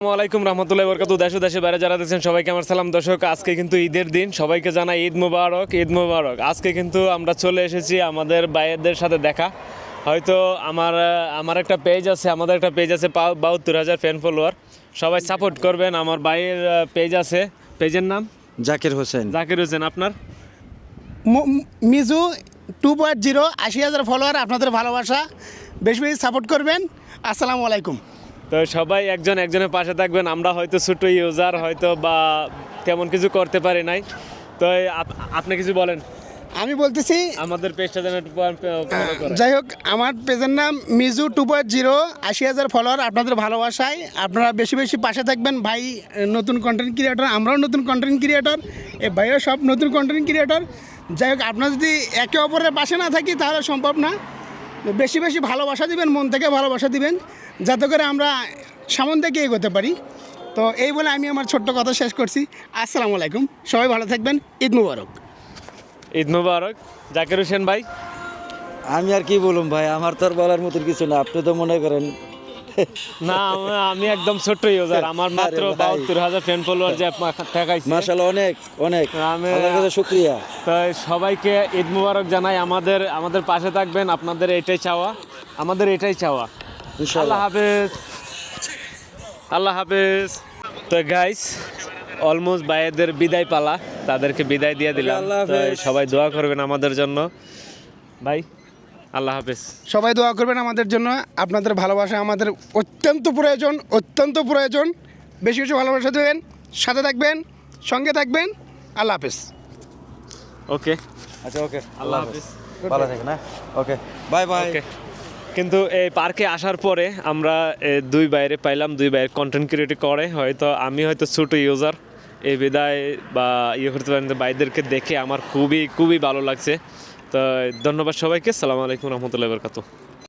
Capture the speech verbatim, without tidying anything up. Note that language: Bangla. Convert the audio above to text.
আসসালামাইকুম রহমতুল্লাহি ওয়া বারাকাতুহু। দেশ ও দেশের বাইরে যারা দেখছেন সবাইকে আমার সালাম। দর্শক, আজকে কিন্তু ঈদের দিন, সবাইকে জানাই ঈদ মুবারক, ঈদ মুবারক। আজকে কিন্তু আমরা চলে এসেছি আমাদের ভাইয়েদের সাথে দেখা। হয়তো আমার আমার একটা পেজ আছে, আমাদের একটা পেজ আছে বাহাত্তর হাজার ফ্যান ফলোয়ার। সবাই সাপোর্ট করবেন। আমার ভাইয়ের পেজ আছে, পেজের নাম জাকির হোসেন। জাকির হোসেন। আপনার ম- ম- মিজু টু পয়েন্ট জিরো আশি হাজার ফলোয়ার। আপনাদের ভালোবাসা বেশি বেশি সাপোর্ট করবেন। আসসালামু আলাইকুম। তো সবাই একজন একজনের পাশে থাকবেন। আমরা হয়তো ছোটো ইউজার, হয়তো বা তেমন কিছু করতে পারি নাই। তো আপ- আপনি কিছু বলেন, আমি বলতেছি, আমাদের পেজটা যেন একটু ফলো করে। যাই হোক, আমার পেজের নাম মিজু টু পয়েন্ট জিরো আশি হাজার ফলোয়ার। আপনাদের ভালোবাসায় আপনারা বেশি বেশি পাশে থাকবেন। ভাই নতুন কন্টেন্ট ক্রিয়েটর, আমরাও নতুন কন্টেন্ট ক্রিয়েটর, এ ভাইও সব নতুন কন্টেন্ট ক্রিয়েটর। যাই হোক, আপনারা যদি একে অপরের পাশে না থাকি তাহলে সম্ভব না। বেশি বেশি ভালোবাসা দিবেন, মন থেকে ভালোবাসা দিবেন, যাতে করে আমরা সামন থেকে এগোতে পারি। তো এই বলে আমি আমার ছোট্ট কথা শেষ করছি। আসসালামু আলাইকুম, সবাই ভালো থাকবেন। ঈদ মুবারক। ঈদ মুবারক। জাকির হোসেন ভাই, আমি আর কি বলুম ভাই, আমার তো আর বলার মতন কিছু না। আপনি তো মনে করেন না আমি একদম ছোট্ট ইউজার, আমার মাত্র আরে ভাই। বাহাত্তর হাজার ফ্যান ফলোয়ার যে ঠেকাইছে। মাশাআল্লাহ, অনেক অনেক আমি- আল্লাহর কাছে শুকরিয়া। তো সবাইকে ঈদ মুবারক জানাই। আমাদের আমাদের পাশে থাকবেন, আপনাদের এটাই চাওয়া, আমাদের এটাই চাওয়া। আল্লাহ ইনশাআল্লাহ। হাফেজ, আল্লাহ হাফেজ। তো গাইস, অলমোস্ট ভাইয়েদের বিদায় পালা, তাদেরকে বিদায় দিয়ে দিলাম। আল্লাহ তো হাফেজ। সবাই দোয়া করবেন আমাদের জন্য। ভাই, আল্লাহ হাফেজ। সবাই দোয়া করবেন আমাদের জন্য। আপনাদের ভালোবাসা আমাদের অত্যন্ত প্রয়োজন, অত্যন্ত প্রয়োজন। বেশি বেশি ভালোবাসা দেবেন, সাথে থাকবেন, সঙ্গে থাকবেন। আল্লাহ হাফেজ। ওকে, আচ্ছা, ওকে, আল্লাহ হাফেজ। ভালো থাকেন। হ্যাঁ, ওকে, বাই বাই। ওকে। কিন্তু এই পার্কে আসার পরে আমরা এ, দুই বাইরে পাইলাম, দুই বাইরের কন্টেন্ট ক্রিয়েট করে। হয়তো আমি হয়তো ছোটো ইউজার, এই বিদায় বা ইয়ে করতে পারেন। বাইদেরকে দেখে আমার খুবই খুবই ভালো লাগছে। তো ধন্যবাদ সবাইকে। সালামু আলাইকুম রহমতুল্লাহি ওয়া বারাকাতুহু।